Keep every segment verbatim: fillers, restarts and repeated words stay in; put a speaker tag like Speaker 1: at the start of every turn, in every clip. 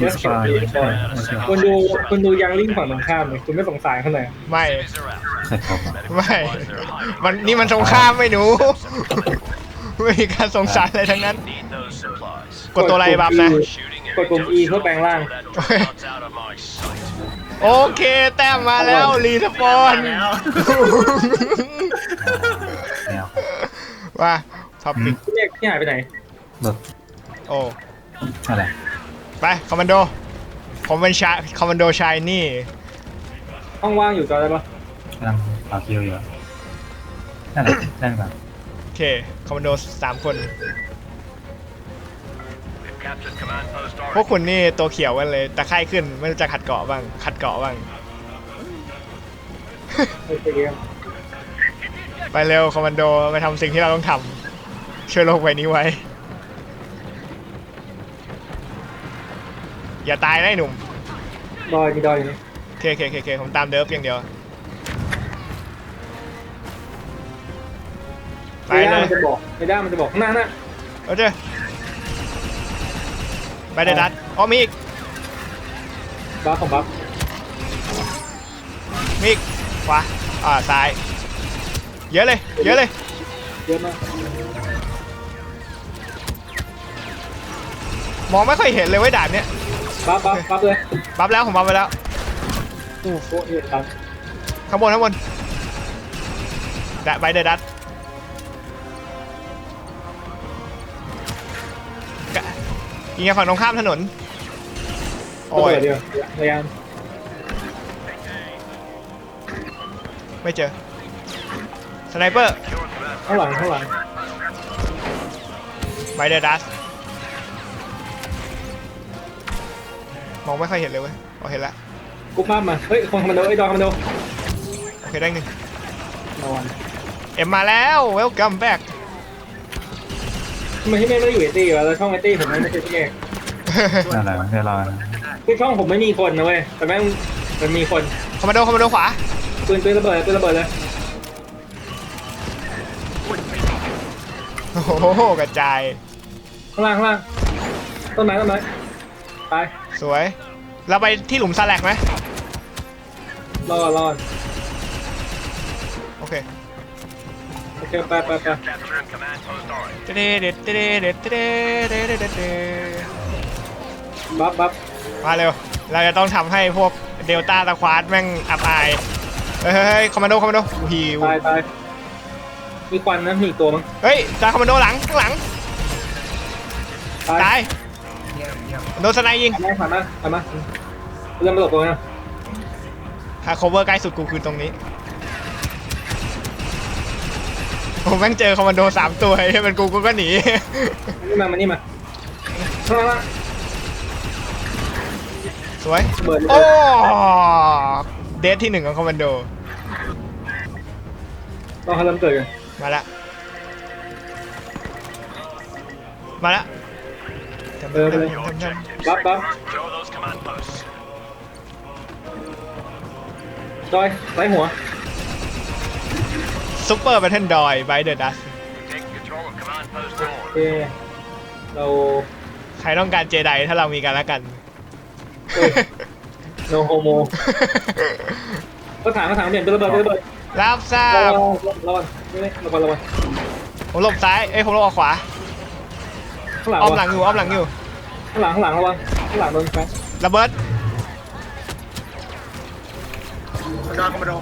Speaker 1: มีสปายไม่ใช่ไม่ใช่
Speaker 2: คุณดูคุณดูยังลิงฝั่งตรงข้ามเลยคุณไม่สงสารเขาหน่อย
Speaker 3: ไม่
Speaker 1: ใครครบอ่ะ
Speaker 3: ไม่มันนี่มันสงครามไม่หนู ไม่มีการสงสารอะไรทั้งนั้น กดตัวอะไรบัฟนะ
Speaker 2: กดปุ่ม E เพื่อแปลงร่าง
Speaker 3: โอเคแต้มมาแล้วรีสปอน
Speaker 4: แล้ว
Speaker 1: แนว
Speaker 3: ว่าท็อปปิก
Speaker 2: พี่เมฆพี่หายไปไหน
Speaker 1: เบิก
Speaker 3: โอ้
Speaker 1: อะไร
Speaker 3: ไปคอมมานโดผมเป็นชายคอมมานโดชายนี่
Speaker 2: ห้องว่างอยู่จอได้ปะ
Speaker 1: กำลังต่อคิวอยู่นั่นแหละได้ก่อน
Speaker 3: โอเคคอมมานโดสามคน พวกคุณนี่ตัวเขียวกันเลยตะไคร่ขึ้นไม่รู้จะขัดเกาะบ้างขัดเกาะบ้าง
Speaker 2: โอเคเกม
Speaker 3: ไปเร็วคอมมานโดไปทำสิ่งที่เราต้องทำช่วยโลกใบนี้ไว้ อย่าตายนะไอ้หนุ่ม
Speaker 2: ดอยมีดอยอยู่นี่
Speaker 3: โอเคโอเคโอเคโอเคผมตามเดิฟอย่างเดียวไป
Speaker 2: ไม่
Speaker 3: เล
Speaker 2: ได้
Speaker 3: ย
Speaker 2: มันจะบอกไม่ได้มันจะบอกข้างหน้าน่ะ
Speaker 3: เอาเจ้ไปเดดัดอ๋อมีอีก
Speaker 2: บัฟของบัฟ
Speaker 3: มีอีกขวาอ่าซ้ายเยอะเลยเยอะเลย
Speaker 2: เยอะมาก
Speaker 3: มองไม่ค่อยเห็นเลยไว้ยด่านเนี้ย
Speaker 2: บัฟบัฟบัฟเลย
Speaker 3: บัฟแล้วผมบัฟไปแล้ว
Speaker 2: โอ้โหเอ็ดตัน
Speaker 3: ข้างบนข้างบนดะไปเดดัดกะยิงกันฝั่งตรงข้ามถนน
Speaker 2: โอ้
Speaker 3: โอ้
Speaker 2: ย
Speaker 3: ย
Speaker 2: เดียวพยายาม
Speaker 3: ไม่เจอสไนเปอร์
Speaker 2: ข้างหลังข้างหลัง
Speaker 3: ไบเดอร์ดัสมองไม่ค่อยเห็นเลยเว้ยอ๋อเห็นแล้ว
Speaker 2: กุ๊บภาพมาเฮ้ยคนคอมมานโดไอ้ยดอยคอมมานโด
Speaker 3: โอเคได้หนึ่ง
Speaker 2: นอน
Speaker 3: เอ็มมาแล้ว welcome back
Speaker 2: ทำไมพี่เมฆไม่ได้อยู่ไอตี้วะแล้วช่องไอตี้ผมไม่ใช่พี่เมฆ
Speaker 1: นั่นแหละเดี๋ยวรอนะ
Speaker 2: คือช่องผมไม่มีคนนะเว้ยแต่แม่งมันมีคน
Speaker 3: คอมมานโดคอมมานโดขวา
Speaker 2: ปืนปืนระเบิดปืนระเบิดเลย
Speaker 3: โอ้โหกระจาย
Speaker 2: ข้างล่างข้างล่างต้นไม้ต้นไม้ตาย
Speaker 3: สวยเราไปที่หลุมซาแลกไหม
Speaker 2: รอดรอด
Speaker 3: โอเค
Speaker 2: โอเคไปไปไป
Speaker 3: เด็ดเด็ดเด็ดเด็ดเด็ดเด็ดเด็ดเด็ดเด็ด
Speaker 2: บัฟบัฟ
Speaker 3: มาเร็วเราจะต้องทำให้พวกเดลต้าตะควาดแม่งอับอายเฮ้ยเฮ้ยคอมมานโดคอมมานโดฮิว
Speaker 2: ตายตายมีควันนะมีอีกตัวมั้ง
Speaker 3: เฮ้ยตาคอมมานโดหลังข้างหลัง
Speaker 2: ตาย
Speaker 3: ตายโดนสไนยิง
Speaker 2: ผ่านมาผ่านมาผ่านมาเริ่มมาหลบตัวนะ
Speaker 3: หา cover ใกล้สุดกูคือตรงนี้ผมแม่งเจอคอมมานโดสามตัวให้เป็นกูกูก็หนี
Speaker 2: นี่มามานี่มาข้างล่าง
Speaker 3: สวย
Speaker 2: เบิร์ด
Speaker 3: โอ้เดทที่หนึ่งของคอมมานโด
Speaker 2: รอเขาเริ่มเกิดกัน
Speaker 3: มาละมาละ
Speaker 2: เออไปเลยบัฟบัฟจอยไล่หัว
Speaker 3: ซุปเปอร์แบทเทิลดอยไบเดอร์ดัส
Speaker 2: โอเคเรา
Speaker 3: ใครต้องการเจไดถ้าเรามีกันแล้วกัน
Speaker 2: โนโฮโมก็ถามก็ถามเปลี่ยนเป็นระเบิดเป็นระเบิด
Speaker 3: รับทรา
Speaker 2: ระ
Speaker 3: บ
Speaker 2: วังระวังไม่ไม่ระวังระวัง
Speaker 3: ผมหลบซ้ายเอ้ยผมหลบออกขวา
Speaker 2: ข้างหลัง
Speaker 3: อ้อมหลังอยู่อ้อมหลังอยู่
Speaker 2: ข้างหลังข้างหลังระวังข้างหลังโดนแฟน
Speaker 3: ระเบิด
Speaker 4: ดอนคอมมานโด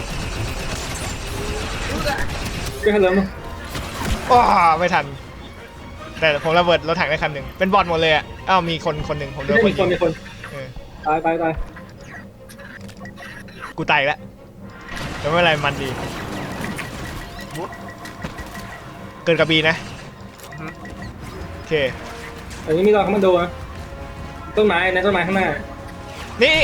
Speaker 2: ช่วยให้เริ่ม
Speaker 3: ว้าไม่ทัน แต่ผมระเบิดรถถังได้คันหนึ่งเป็นบอทหมดเลยอ่ะอ้าวมีคนคนหนึ่งผมโด
Speaker 2: ไม่
Speaker 3: น
Speaker 2: ใช่
Speaker 3: คน
Speaker 2: มี
Speaker 3: ยิ
Speaker 2: คน
Speaker 3: ง
Speaker 2: มีคน
Speaker 3: เออ
Speaker 2: ตายตายตาย
Speaker 3: กูตายอีกแล้วแต่ไม่เป็นไรมันดีเกินกระบีนะโอเค
Speaker 2: อันนี้มีรอยคอมมานโดนะต้นไม้ในต้นไม้ข้างหน้า
Speaker 3: นี่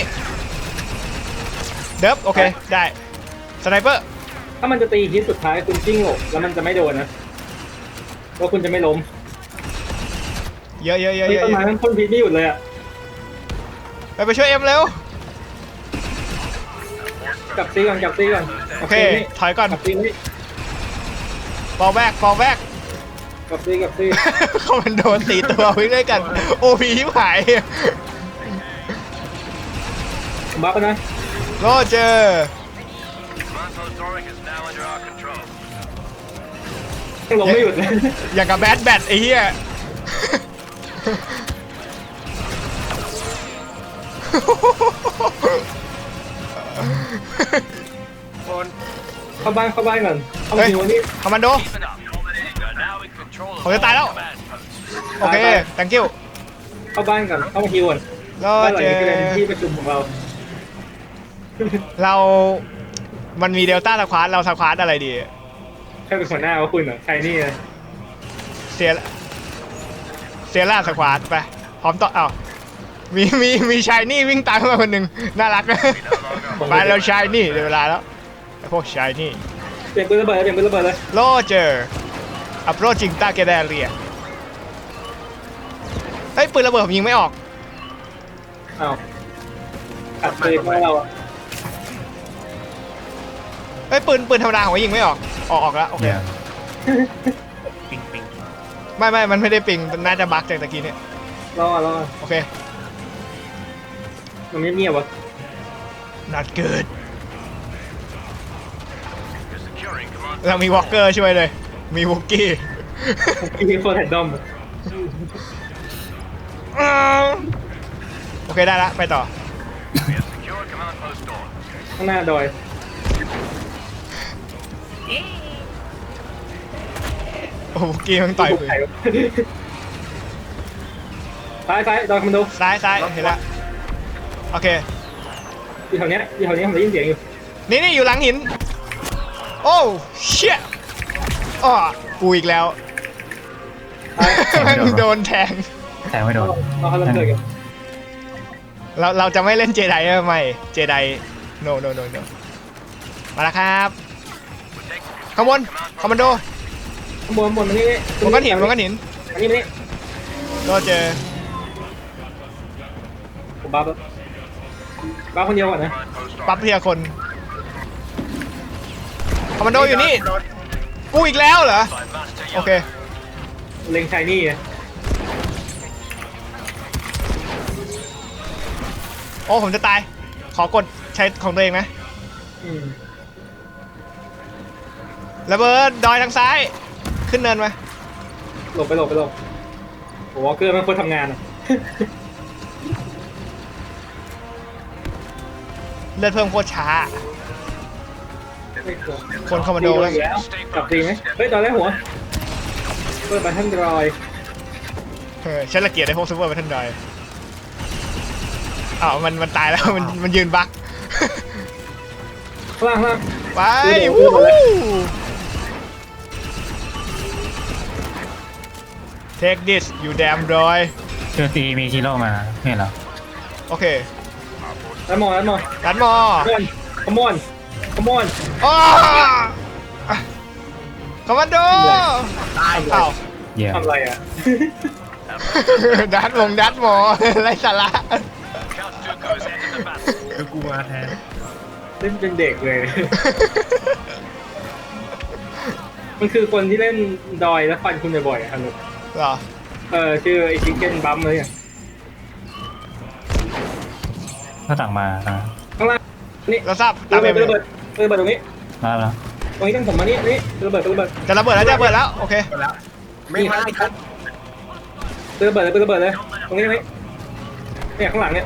Speaker 3: เดิฟโอเคได้สไนเปอร์
Speaker 2: ถ้ามันจะตีฮิตสุดท้ายคุณจิ้งหลบแล้วมันจะไม่โดนนะว่าคุณจะไม่ล้ม
Speaker 3: เยอะเยอะเยอะ
Speaker 2: มี
Speaker 3: เยอะ
Speaker 2: ต้นไม้มันพ่นพิษไม่หยุดเลยอ่ะ
Speaker 3: ไปไปช่วยเอ็มเร็ว
Speaker 2: กลับซีก่อนกลับซีก่อน
Speaker 3: โอเคถอยก่อน
Speaker 2: กลับซีนี่
Speaker 3: ฟอลแบ็กฟอลแบ็ก
Speaker 2: กลับซีกลับซี
Speaker 3: เขามันโดนสี่ตัววิ่งด้วยกันโอพีที่หาย
Speaker 2: บัฟนะ
Speaker 3: โรเจอร์
Speaker 2: ยังลงไม่หยุดเลย
Speaker 3: อย่างกับแบดแบทไอ้เหี้ย
Speaker 4: คน
Speaker 2: เข้าบ้านเข้าบ้านก่อนเข้ามา
Speaker 3: เฮ้ย
Speaker 2: ทีวันนี้
Speaker 3: คอมมานโดผมจะตายแล้ว โอเค thank you
Speaker 2: เข้าบ้านก่อนเข้ามาทีก่อน
Speaker 3: โร
Speaker 2: บ้านหลัง
Speaker 3: เจอ
Speaker 2: นี้เป็น
Speaker 3: ร์
Speaker 2: ที่ประชุมของเรา
Speaker 3: เรา มันมีเดลต้าสควอตเราสควอตอะไรดี
Speaker 2: ใครเป็นหัวหน้าว่าคุณเหรอใครนี่เลย
Speaker 3: เซียเซียร่าสควอตไป พร้อมต่อเอ้ามีมีมีชายนี่วิ่งตามเข้ามาคนหนึ่งน่ารัก ไปแล้วชายนี่เดี๋ยวเวลาแล้วไอ้พวกชายนี่
Speaker 2: เปลี่ยนปืนระเบิดเลยเปลี่ยนปืนระเบิดเลย
Speaker 3: โรเจอร์ approaching target area เฮ้ยปืนระเบิดผมยิงไม่ออก
Speaker 2: อ้าวอัดปืนมาเราอะ
Speaker 3: เฮ้ยปืนปืนธรรมดาผมก็ยิงไม่ออก ออกออกแล้วโอเค
Speaker 1: เดี๋ยว
Speaker 4: ปิงปิง
Speaker 3: ไม่ไม่มันไม่ได้ปิงมันน่าจะบั๊กจากตะกี้เนี่ย
Speaker 2: รอรอ
Speaker 3: โอเค
Speaker 2: มันเงียบๆวะ
Speaker 3: not good เรามีวอล์กเกอร์ช่วยเลย มีวุกกี้
Speaker 2: มีคนแฮนดอม
Speaker 3: โอเคได้ละไปต่อ
Speaker 2: ข้างหน้าดอย
Speaker 3: โอ้วุกกี้มันต่อยปืน
Speaker 2: ซ้ายซ้ายดอยคอมมานโด
Speaker 3: ซ้ายซ้ายเห็นละโอเค
Speaker 2: อยู่แถวเนี้ยอยู่แถวเนี้ยผมได้ยินเสียงอยู่
Speaker 3: นี่นี่อยู่หลังหิน โอ้เชี่ยอ้อกูอีกแล้ว
Speaker 2: ซ้าย
Speaker 3: แม่งโดนแทง
Speaker 1: แต่ไม่โดน
Speaker 2: เราเขาเริ่มเกิดกัน
Speaker 3: เราเราจะไม่เล่นเจไดไม่เจได no no no no มาแล้วครับขางบวนคอมมานโด
Speaker 2: ข้างบนข้างบนมานี่นี่
Speaker 3: บนก้อนหินบนก้อนหิน
Speaker 2: อันนี้มานี่
Speaker 3: โรเจอร์
Speaker 2: ผมบัฟแล้วบัฟคนเดียวก่อนนะ
Speaker 3: ปั๊บเพียคนคอมมานโดอยู่นี่ กูอีกแล้วเหรอ โอเค
Speaker 2: เล็งชายนี่ไง
Speaker 3: โอ้ผมจะตาย ขอกดใช้ของตัวเองนะ
Speaker 2: อืม
Speaker 3: ระเบิดดอยทางซ้าย ขึ้นเนินมา
Speaker 2: หลบไปหลบไปหลบโอ้วอลเกอร์มันควรทำงานอะ
Speaker 3: เลือดเพิ่มโคตรช้า
Speaker 2: ไม่ควร
Speaker 3: คนคอมมานโด
Speaker 2: ตี
Speaker 3: แล้ว
Speaker 2: อีกแล้วกลับตีไหมเฮ้ยตอนแรกหัวเปิดบัตเทิลดรอย
Speaker 3: เออฉันละเกียดไอ้พวกซูเปอร์แบทเทิลดอยอ้าวมันมันตายแล้ว มันมันยืนบั๊ก
Speaker 2: ข้างล่างข้างล่าง
Speaker 3: ไป
Speaker 2: ดูดิ
Speaker 3: วู้
Speaker 2: ดูดิ
Speaker 3: ฮู้ Take this you damn boy
Speaker 1: เจอตีมีชิโร่มาไม่เหรอ
Speaker 3: โอเค
Speaker 2: แล้วมองแล้วมอง
Speaker 3: รันมอ
Speaker 2: ขมอนขมอน
Speaker 3: อ้าคอมมานโด
Speaker 2: ตาย
Speaker 3: อ้าว
Speaker 1: เยี่ยม
Speaker 2: ทำอะไรอ่ะ
Speaker 3: ดัดวงดัดหมอ ไรสาระ
Speaker 4: คือกูมาแทน
Speaker 2: เล่นเป็นเด็กเลย มันคือคนที่เล่นดอยแล้วฟันคุณบ่อยๆอะครับนุก
Speaker 3: เหรอ
Speaker 2: เออชื่อไอชิคเก้นบัมเลยอ่ะ
Speaker 1: ก็สั่งมาอ่ะ
Speaker 2: ข้างล่างนี่
Speaker 3: เราทราบ
Speaker 2: ระ
Speaker 3: ตามไป
Speaker 2: เบิดระเบิดระเบิดตรงนี้
Speaker 1: มาแล้ว
Speaker 2: ตรงนี้ต้องผมมานี่นี่ระเบิดระเบิด
Speaker 3: จะระเบิดแล้วจะระเบิดแล้ว โอเค
Speaker 4: หมดแล้วไม่มาอีกครับ
Speaker 2: ระเบิดเลยระเบิดเลยตรงนี้ตรงนี้เนี่ยข้างหลังเนี่ย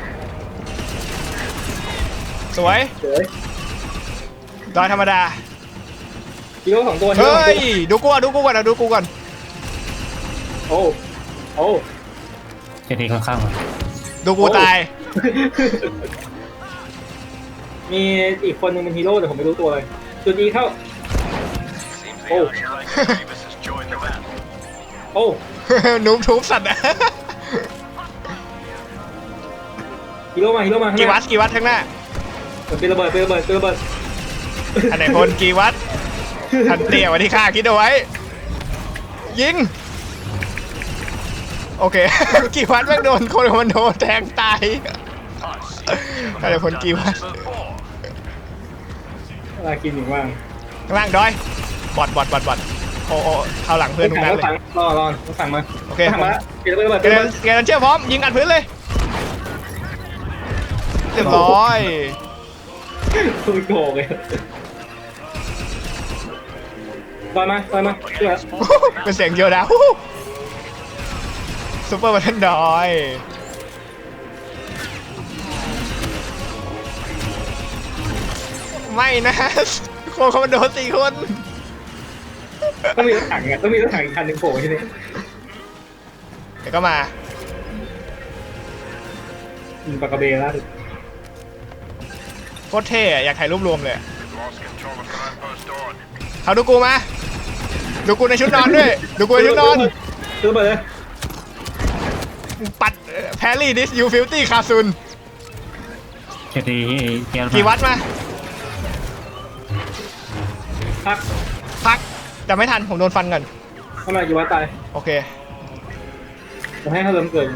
Speaker 3: สวย
Speaker 2: เฉย
Speaker 3: ดอยธรรมดา
Speaker 2: ฮีโร่สองตัวฮีโร่
Speaker 3: เฮ้
Speaker 2: สอง
Speaker 3: ย
Speaker 2: ตัว
Speaker 3: ดูกูก่อนดูกูก่อนนะดูกูก่อน
Speaker 2: โอ้โอ้
Speaker 1: เจตีค่อนข้าง
Speaker 3: ดูกูตาย
Speaker 2: มีอีกคนนึงเป็นฮีโร่แต่ผมไม่รู้ตัวเลยจุดอีเข้าโอ้โอ้
Speaker 3: นุ๊บทุบสัตว์นะ
Speaker 2: ฮีโร่มาฮีโร่มาข้างห
Speaker 3: กี่วั
Speaker 2: น้า
Speaker 3: ตต์กี่วัตต์ข้างหน้า
Speaker 2: เป็นระเบิดเป็นระเบิดเป็นระเบิด
Speaker 3: อันไหนคนกี่วัตต์ทันเตี้ยวันที่ข้าคิดเอาไว้ ยิง โอเค กี่วัตต์แม่งโดนคนมันโดนแทงตายอันไหนคนกี่วัตต์
Speaker 2: เวลากินอย่างว่าง
Speaker 3: ข้างล่างดอย บอดบอดบอดบอดโอ้โอ้เข้าหลังเพื่อนทุก
Speaker 2: สั่
Speaker 3: นั้
Speaker 2: ง
Speaker 3: นเลย
Speaker 2: สั่งรอรอต้องสั่งมา
Speaker 3: โอเค
Speaker 2: สั่งมาแล้วเป็นระเบิด
Speaker 3: เก
Speaker 2: เป็นระ
Speaker 3: เร
Speaker 2: เบิ
Speaker 3: น
Speaker 2: ด
Speaker 3: เกเรนเชื่อพร้อม ยิงอัดพื้นเลยเรียบร้อย
Speaker 2: คุณโกงเลยต่อยมาต่อยมาเชื่อ
Speaker 3: เป็นเสียงเดียวนะซูเปอร์บัตเทนดอยไม่นะโคคอมมานโดสี่คน
Speaker 2: ต้องมีรถถังอ่ะต้องมีรถถังอีกคันหนึ่งโผล่ที่นี่
Speaker 3: เดี๋ยวก็มา
Speaker 2: ยิงปากกระเบนล่าสุด
Speaker 3: โคตรเท่อะอยากถ่ายรูปรวมเลยเขาดูกูมาดูกูในชุดนอนด้วยดูกูในชุดนอน
Speaker 2: ซื้อไปเลย
Speaker 3: ปัดแพรรี่ดิสยูฟิลตี้คาซุน
Speaker 1: เคทีเกียร์
Speaker 3: กี่วัดมา
Speaker 2: พัก
Speaker 3: พักแต่ไม่ทันผมโดนฟันก่อน
Speaker 2: เข้ามากี่วัดตาย
Speaker 3: โอเค
Speaker 2: ผมให้เขาเริ่มเกิน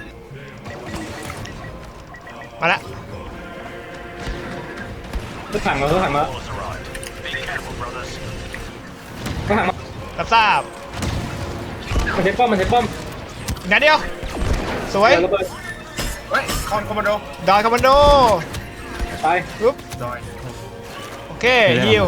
Speaker 3: มาละ
Speaker 2: รถถังมารถถังมารถถังมา
Speaker 3: รับทราบ
Speaker 2: มันใช้ป้อมมันใช้ป้อม
Speaker 3: อีกนัดเดียวสวย
Speaker 2: เดี๋ยวระเบิด
Speaker 4: เฮ้ยคอนคอมมานโด
Speaker 3: ดอยคอมมานโด
Speaker 2: ตาย
Speaker 3: ปุ๊บ
Speaker 4: ดอย
Speaker 3: โอเคฮิว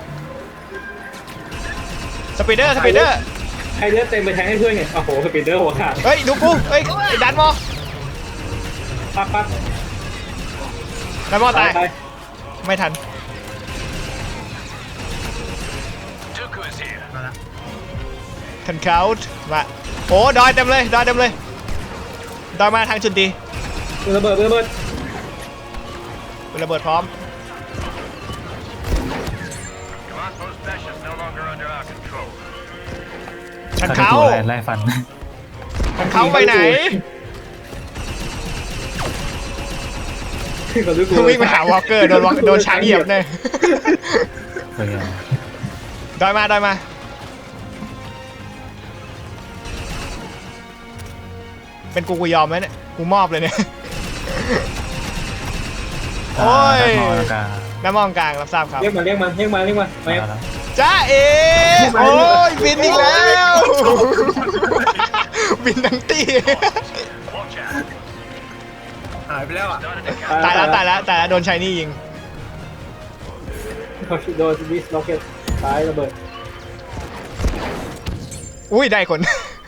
Speaker 3: สปีดเดอร์สปีดเดอร์
Speaker 2: ให้เลือดเต็มไปแทงให้เพื่อนไงโอ้โหสปีดเดอร์หัวขาด
Speaker 3: เฮ้ยดูกูเฮ้ยดันมอ
Speaker 2: ปักปัก
Speaker 3: ดันมอตาย
Speaker 2: ตาย
Speaker 3: ไม่ทัน
Speaker 4: มาละ
Speaker 3: ทันเขาท์มาโอ้ดอยเต็มเลยดอยเต็มเลยดอยมาทางจุดดี
Speaker 2: ระเบิดระเบิด
Speaker 3: เป็นระเบิดพร้อมทันเขา
Speaker 1: ไล่ฟัน
Speaker 3: ทันเขาไปไหน
Speaker 2: ก็รู้กู
Speaker 3: วิ่งไปหาวอลเกอร์โดนวอลโดนช้างเหยียบเนี่ย
Speaker 1: เฮ้ย
Speaker 3: ดอยมาดอยมาเป็นกูกูยอมไหมเนี่ยกูมอบเลยเนี่ย โอ้ย
Speaker 1: มองกลาง
Speaker 3: น้ำมองกลางรับทราบครับ
Speaker 2: เรียกมาเรียกมาเรียกมาเรียกมามา
Speaker 1: มาแล้ว
Speaker 3: จ้าเอโอ้ยบินอีกแล้ว บินทั้งตี
Speaker 4: หายไปแล้วอ่ะ
Speaker 3: ตายแล้วตายแล้วตายแล้วโดนชายนี่ยิง
Speaker 2: เขาโดนดิสล็อกเก็ตตายระเบิด
Speaker 3: อุ้ยได้คน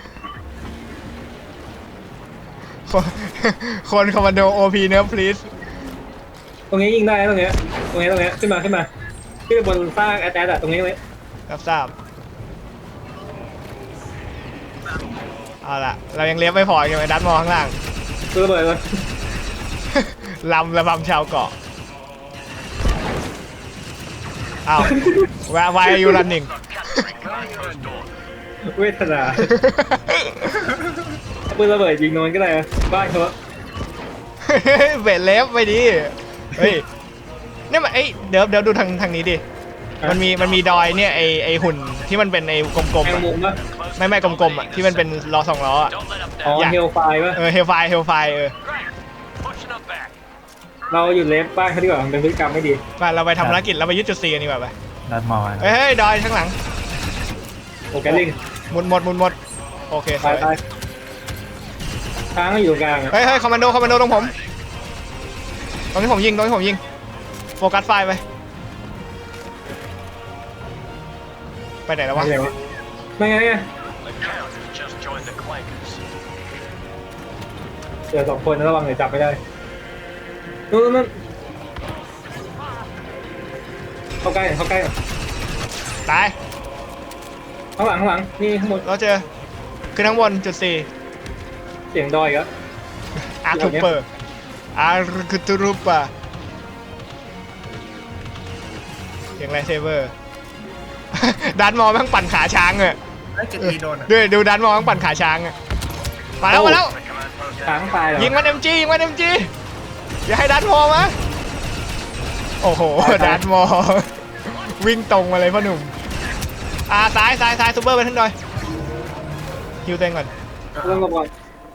Speaker 3: คนคนคอมมานโดโอพีเนื้อพลีส
Speaker 2: ตรงนี้ยิงได้ตรงเนี้ยตรงนี้ตรงเนี้ยขึ้นมาขึ้นมาขึ้นไปบนสร้างแอตแทกอะตรงนี้ตรงนี้
Speaker 3: รับทราบเอาล่ะเรายังเลี้ยบไม่พอใช่ไหมดันมองข้างล่าง
Speaker 2: ตัวระเบิดเลย
Speaker 3: ลำระบำชาวเกาะอ้าว why are you running
Speaker 2: เวทนาปืนระเบิดยิงนอนก็ได้บ้านเขา
Speaker 3: เบรดเล็บไปดิเฮ้ยเนี่ยมันเอ้ยเดี๋ยวเดี๋ยวดูทางทางนี้ดิมันมีมันมีดอยเนี่ยไอไอหุ่นที่มันเป็นไอกลม
Speaker 2: แม
Speaker 3: ๆ
Speaker 2: ง
Speaker 3: อะ
Speaker 2: มุมปะ
Speaker 3: ไม่ไม่กลมๆอ่ะที่มันเป็นล้อสองล้ออ่ะ
Speaker 2: อ๋อเฮลไฟปะ
Speaker 3: เออเฮลไฟเฮลไฟเออ
Speaker 2: เราหยุดเลฟบ้านเขาดีกว่ามันเป็นพฤติกรรมไม่ดี
Speaker 3: ไปเราไปทำภารกิจเราไปยึดจุดซีกันดีกว่าไป
Speaker 1: ดัดมอง
Speaker 3: เฮ้ยเฮ้ยดอยข้างหลัง
Speaker 2: โอเคลิง
Speaker 3: หมุนหมดหมุนหมดโอเคส
Speaker 2: ตา
Speaker 3: วย ย
Speaker 2: ตายช้างก็อยู่ตรงกลางอะ
Speaker 3: เฮ้ยเฮ้ยคอมมานโดคอมมานโดตรงผมตรงที่ผมยิงตรงที่ผมยิงโฟกัสไฟไปไปไหนแล้ววะ
Speaker 2: ไม่ไงวะไม่ไงไงเจอสองคนนะระวังเดี๋ยวจับไม่ได้นู่นนู่นเข้าใกล้เข้าใกล้
Speaker 3: ตาย
Speaker 2: ข้างหลังข้างหลังนี่ข้างบน
Speaker 3: เราเจอขึ้นข้างบนจุดสี่
Speaker 2: เสียงดอยก็
Speaker 3: อาร์ทูเปอร์อาร์คูตูรูปะเสียงไรเซเวอร์ ดันมองแม่งปั่นขาช้างอะ
Speaker 4: ไอ้เจ็ดตีโดนอ่ะ
Speaker 3: ด้วยดูดันมองแม่งปั่นขาช้างอะมาแล้วมาแล้ว
Speaker 2: ช้างตายเหรอ
Speaker 3: ยิงมันเอ็มจียิงมันเอ็มจีอย่าให้ดันมองมะโอ้โหดันมอง วิ่งตรงมาเลยพ่อหนุ่มอ่าซ้ายซ้ายซ้ายซูเปอร์ไปทั้งดอยฮิวเต็งก่อน
Speaker 2: เรื่องกบอน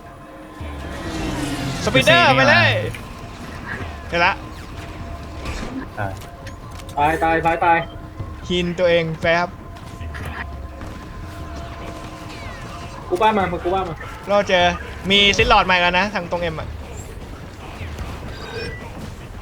Speaker 3: สปีดเดอร์ไปเลยเดี๋ยวละ
Speaker 1: ตาย
Speaker 2: ตายตายตายตาย
Speaker 3: ฮินตัวเองแฟบ
Speaker 2: กูบ้ามามากูบ้ามา
Speaker 3: เราเจอมีซิลลอดใหม่กันนะทางตรงเอ็มอ่ะ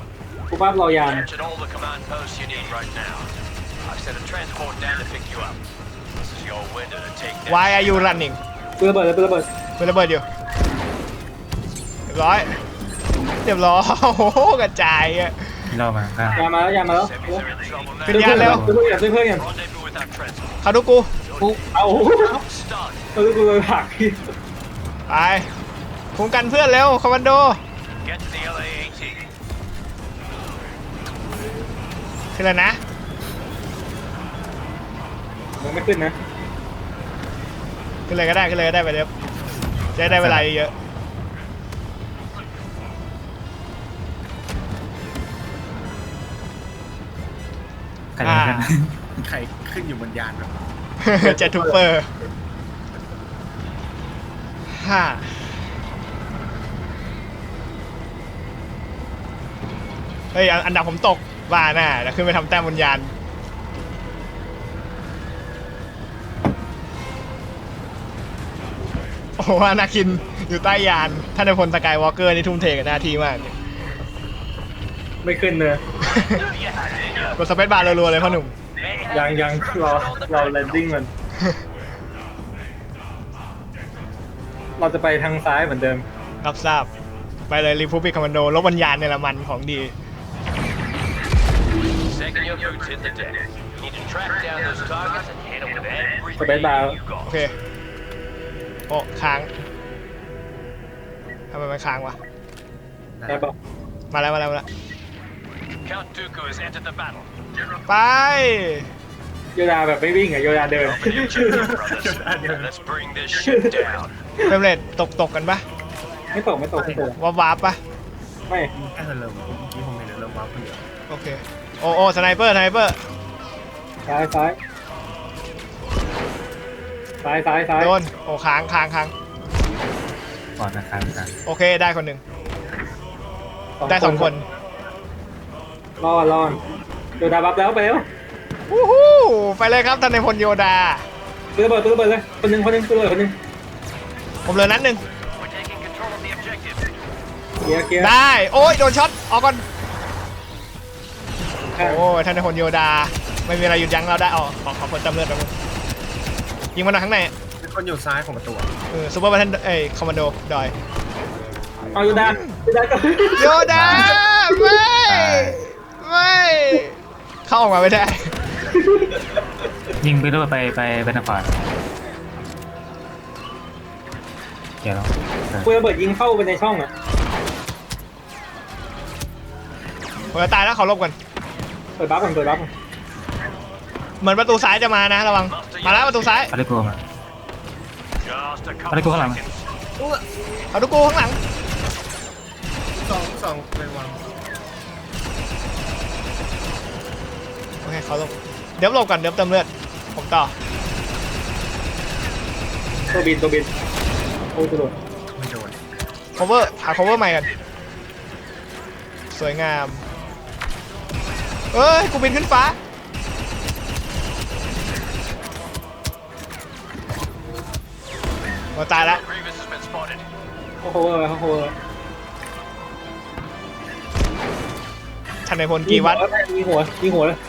Speaker 2: ภาพรอยาน
Speaker 5: Captured all the command posts you need right now. I've sent a transport down to pick you up. This is your window to take down.
Speaker 3: Why are you running
Speaker 2: ปืนระเบิดเลยปืนระเบิด
Speaker 3: เป็นระเบิดอยู่เรียบร้อยเรียบร้อยโอ้โหกระจายอะ
Speaker 1: ที่เรามาข้าง
Speaker 2: ยามาแล้วยามาแล้ว
Speaker 5: Semis are in trouble
Speaker 3: ขึ้น
Speaker 5: now.
Speaker 3: ยานเร็ว
Speaker 2: ซื้อเพื่อนซื้อเพื่อนกัน
Speaker 5: Rendezvous with that transport.
Speaker 3: เขาดูกู
Speaker 2: เอา
Speaker 5: Stun.
Speaker 2: เอาดูกูเลยผักพี่
Speaker 3: ไปคุ้มกันเพื่อนเร็วคอมมานโด
Speaker 5: Get to the L A A T.
Speaker 3: ขึ้นแล้วนะ
Speaker 2: ยังไม่ขึ้นนะ
Speaker 3: ขึ้นเลยก็ได้ขึ้นเลยก็ได้ไปเดี๋ยวจะได้เวลาเยอะ
Speaker 1: ใครจะขึ้น
Speaker 4: ใครขึ้นอยู่บนยานแบบ
Speaker 3: ๆ เจ็ตทูเปอร์ฮ่าเฮ้ยอันดับผมตกว่าน่ะเดี๋ยวขึ้นไปทำแต้มบนยานโอ้โหอนาคินอยู่ใต้ยานท่านในพลสกายวอล์กเกอร์นี่ทุ่มเทกับหน้าที่มาก
Speaker 2: ไม่ขึ้นเลย
Speaker 3: กดสเปซบาร์รัวๆเลยพ่อหนุ่ม
Speaker 2: ยังยังรอรอแลนดิ้งมัน เราจะไปทางซ้ายเหมือนเดิม
Speaker 3: รับทราบไปเลยรีพูบิคคอมมานโดลบวิญญาณเนี่ยละมันของดี
Speaker 5: Second your boots hit the deck. You need to track down those targets and hit them with every
Speaker 2: Space bar.
Speaker 5: you
Speaker 3: โอ
Speaker 5: got.
Speaker 3: เคโอ้ค้างทำไมมันค้างวะ
Speaker 2: ได้ปะ
Speaker 3: มาแล้วมาแล้วมาแล้ว
Speaker 5: Count Dooku has entered the battle.
Speaker 3: ไป
Speaker 2: โยดาแบบไม่วิ่งอะโยดาเดิน
Speaker 5: Open your chest, brothers. Let's bring this ship down.
Speaker 3: เฟรมเรทตกตกกันปะ
Speaker 2: ไม่ตกไม่ตกไม่ตก
Speaker 3: วาบวาบปะ
Speaker 2: ไม่
Speaker 4: แค่เริ่มเมื่อกี้ผมเห็นเริ่มว้าวคนเดียว
Speaker 3: โอเคโอ้โอ้สไนเปอร์สไนเปอร์
Speaker 2: ซ้ายซ้ายซ้ายซ้ายซ้าย
Speaker 3: โดนโอ้ค้างค้างค้าง
Speaker 1: ก่อนนะครับกัน
Speaker 3: โอเคได้คนหนึ่งได้สองคน
Speaker 2: รอดรอดโยดาบัฟแล้วไปแล้ว
Speaker 3: วู้ฮู้ไปเลยครับท่านในพลโยดา
Speaker 2: ปืนระเบิดปืนระเบิดเลยคนหนึ่งคนหนึ่งปืนระเบิดคนหนึ่ง
Speaker 3: ผมเหลือนัดหนึ่ง
Speaker 5: We're taking control of the objective.
Speaker 2: เคลียร์เคลียร์
Speaker 3: ได้โอ้ยโดนช็อตออกก่อน
Speaker 2: ข้าง
Speaker 3: โอ้ยท่านในพลโยดาไม่มีอะไรหยุดยั้งเราได้อ๋อขอขอผลจำเลือดแป๊บนึงยิงมันหน่อยข้างใน
Speaker 4: มีคนอยู่ซ้ายของประตู
Speaker 3: เออซูเปอร์บัตเทนเอ้ยคอมมานโดดอย
Speaker 2: เอาโยดาโยดาก็
Speaker 3: โยดาไม่ไม่เข้าออกมาไม่ได้
Speaker 1: ยิงไปด้วยไปไปไปทางขวาเดี๋ยวเราเออ
Speaker 2: ปืนระเบิดยิงเข้าไปในช่องอะ
Speaker 3: ผมจะตายแล้วเขาลบกัน
Speaker 2: เปิดบัฟก่อนเปิดบัฟก่อน
Speaker 3: เหมือนประตูซ้ายจะมานะระวังมาแล้วประตูซ้าย
Speaker 1: เอาได้กลัวมา
Speaker 5: Just a
Speaker 1: อะไรกู
Speaker 5: couple
Speaker 1: ข้างหลัง
Speaker 5: seconds.
Speaker 3: เอาดูกูข้างหลัง
Speaker 4: สองสองไปวาง
Speaker 3: โอเคเขาลบเดี๋ยวหลบก่อนเดี๋ยวเติมเลือดผมต่อ
Speaker 2: ตัวบินตัวบินโอ้ตัวโดด
Speaker 4: ไม่โดน
Speaker 3: cover หา cover ใหม่กันสวยงามเอ้ยกูบินขึ้นฟ้าเราตายแล้ว
Speaker 5: Grievous has been spotted.
Speaker 2: โอ้โหโอ้โห
Speaker 3: ท่านในพลกี่วัด
Speaker 2: ยิงหัวยิงหัวเลย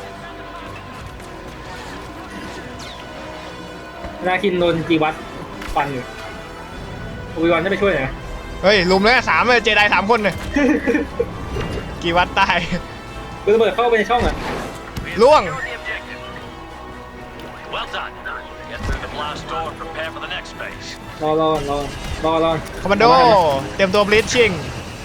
Speaker 2: นาคินโดนจีวัตฟันอยู่โอวิวันจะไปช่วยหน่อย
Speaker 3: เฮ้ยลุมเลยสามเลยเจไดสามคนเลยกี่วัดตาย
Speaker 2: ปืนระเบิดเข้าไปในช่องอ่ะ
Speaker 3: ล่วง
Speaker 5: Securing the objective. Well done. Get through the blast door and prepare for the next phase.
Speaker 2: รอรอรอรอรอ
Speaker 3: คอมมานโดเตรียมตัวบลิชชิ่ง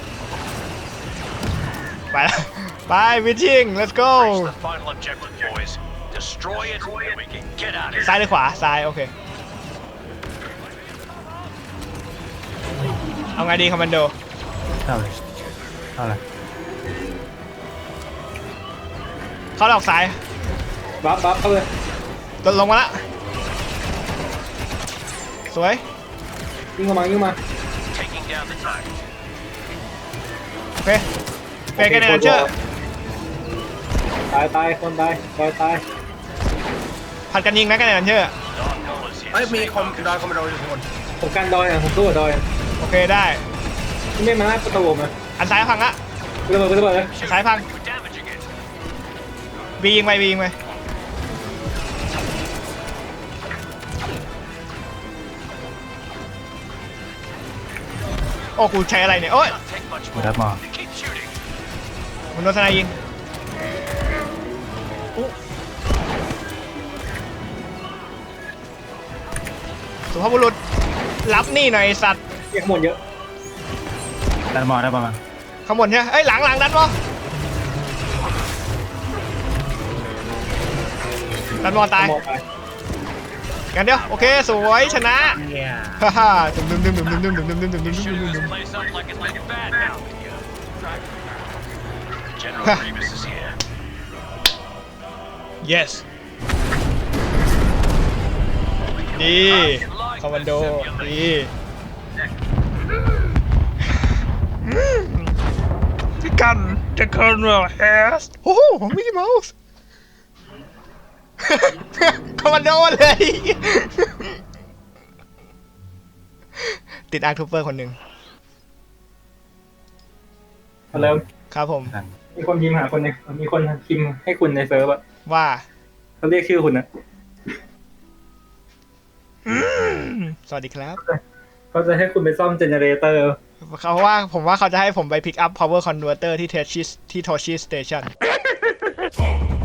Speaker 3: ไปแล้วไปบลิชชิ่ง let's go
Speaker 5: Reach the final objective, boys. Destroy it, and we can get out of here.
Speaker 3: ซ้ายหรือขวาซ้ายโอเคเอาไงดีคอมมานโด
Speaker 1: เข้าเลยเข้าเลย
Speaker 3: เขาออกซ้าย
Speaker 2: บัฟบัฟเข้าเลย
Speaker 3: ลดลงมาละสวย
Speaker 2: ยิงเข้ามายิงมา
Speaker 5: Taking down the target.
Speaker 3: โอเคเฟรกันเนอร์เจอร์
Speaker 2: ตายตายคนตายตายตาย
Speaker 3: ผัดกันยิงนะกันเนอร์เจอร์
Speaker 5: Dark colors here.
Speaker 4: เอ้ยมี
Speaker 5: Stay
Speaker 4: คอม
Speaker 5: focused.
Speaker 4: ดอยคอมโดอยู่ข้างบน
Speaker 2: ผมกันดอยอ่ะผมสู้กับดอย
Speaker 3: โอเคได้
Speaker 2: ที่ไม่มาหน้าประตูผมอ่ะ
Speaker 3: อันซ้ายพังละ
Speaker 2: โระเบิดระเบิดเลย
Speaker 3: สายพัง
Speaker 5: We're damaging it.
Speaker 3: บียิงไปบียิงไปโอ้กูใช้อะไรเนี่ยโอ้ย
Speaker 5: Not take much
Speaker 1: กู
Speaker 5: more.
Speaker 1: รับมอ
Speaker 5: Keep shooting.
Speaker 3: มันโดนทนายยิงสุภาพบุรุษรับนี่หน่อยไอ้สัตว์
Speaker 2: เรียกหมดเยอะ
Speaker 1: ดันมอได้ประมาณ
Speaker 3: ข้างบนใช่ไหมเอ้ยหลังหลังดันมอดันมอตาย
Speaker 2: หมดไป
Speaker 3: กันเดียวโอเคสวยชนะ
Speaker 4: เนี่ย
Speaker 3: ฮ่าฮ่าดุมดุมดุมดุมดุมดุมดุมดุมดุมดุมดุม
Speaker 5: Shooting
Speaker 3: ดุม
Speaker 5: this place up like it's looking bad now. General Grievous is here.
Speaker 3: yes ดีคอมมานโดดีพี่กันจะเคิร์นเวลแฮสโอ้โหของมิกกี้เมาส์ คอมมานโดเลย ติดอาร์ทูเปอร์คนหนึ่ง
Speaker 2: เอาเริ่ม
Speaker 3: ครับผม
Speaker 1: กัน
Speaker 2: มีคนพิมพ์หาคนหนึงมีคนพิมพ์ให้คุณในเซิร์ฟอะ
Speaker 3: ว่า
Speaker 2: เขาเรียกชื่อคุณนะ
Speaker 3: สวัสดีครับ
Speaker 2: เขาจะให้คุณไปซ่อมเจเนเรเตอร์
Speaker 3: เขาว่าผมว่าเขาจะให้ผมไป pick up power converter ที่ Toshi ที่ Toshi Station